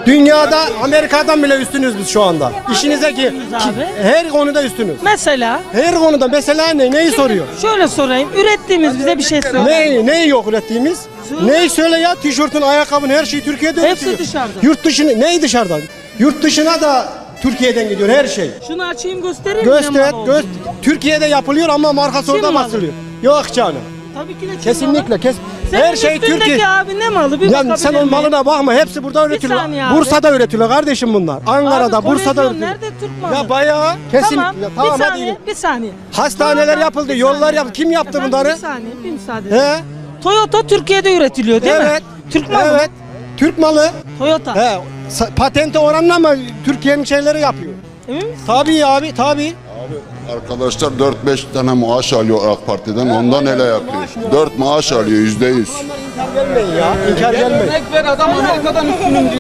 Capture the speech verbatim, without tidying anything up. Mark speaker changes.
Speaker 1: Dünyada Amerika'dan bile üstünüz biz şu anda. İşinize ki, ki her konuda üstünüz.
Speaker 2: Mesela
Speaker 1: Her konuda mesela ne? Neyi soruyor?
Speaker 2: şöyle sorayım. Ürettiğimiz bize bir şey söyle.
Speaker 1: Neyi, neyi yok ürettiğimiz? Neyi söyle ya? Tişörtün, ayakkabın, her şey Türkiye'de
Speaker 2: Hepsi
Speaker 1: üretiliyor.
Speaker 2: dışarıda.
Speaker 1: Yurt dışına, neyi dışarıdan? Yurt dışına da Türkiye'den gidiyor her şey.
Speaker 2: Şunu açayım göstereyim mi?
Speaker 1: Göster,
Speaker 2: ne mal
Speaker 1: göster.
Speaker 2: olduğunu?
Speaker 1: Türkiye'de yapılıyor ama markası
Speaker 2: Çin
Speaker 1: orada
Speaker 2: malı.
Speaker 1: basılıyor. Yok canım.
Speaker 2: Tabii ki de Çin
Speaker 1: Kesinlikle
Speaker 2: malı.
Speaker 1: kes.
Speaker 2: Senin
Speaker 1: Her şey
Speaker 2: üstündeki
Speaker 1: Türkiye.
Speaker 2: abi ne malı? Bir
Speaker 1: Ya
Speaker 2: bakabilir
Speaker 1: sen o
Speaker 2: miyim?
Speaker 1: malına bakma. Hepsi burada üretiliyor.
Speaker 2: saniye abi.
Speaker 1: Bursa'da üretiliyor kardeşim bunlar. Ankara'da,
Speaker 2: Abi,
Speaker 1: Bursa'da
Speaker 2: kolezyon
Speaker 1: üretiliyor.
Speaker 2: nerede Türk malı?
Speaker 1: Ya bayağı kesin.
Speaker 2: Tamam,
Speaker 1: Ya, tamam
Speaker 2: bir
Speaker 1: hadi
Speaker 2: saniye,
Speaker 1: gidelim.
Speaker 2: bir saniye.
Speaker 1: Hastaneler
Speaker 2: Toyota-
Speaker 1: yapıldı,
Speaker 2: bir
Speaker 1: yollar
Speaker 2: saniye.
Speaker 1: yapıldı. Kim yaptı
Speaker 2: Efendim,
Speaker 1: bunları?
Speaker 2: Bir saniye, bir müsaade.
Speaker 1: He?
Speaker 2: Toyota Türkiye'de üretiliyor değil
Speaker 1: Evet.
Speaker 2: mi? Türk malı.
Speaker 1: Evet. Türk malı.
Speaker 2: Toyota.
Speaker 1: He. Sa- Patente oranla mı Türkiye'nin şeyleri yapıyor?
Speaker 2: Emin misin?
Speaker 1: Tabii abi, tabii.
Speaker 3: Arkadaşlar dört beş tane maaş alıyor AK Parti'den, ondan ele yapıyor. dört maaş alıyor yüzde yüz.
Speaker 1: İnkar gelmeyin ya. İnkar gelmeyin.
Speaker 4: Örnek ver, adam Amerika'dan üstünüm diyor.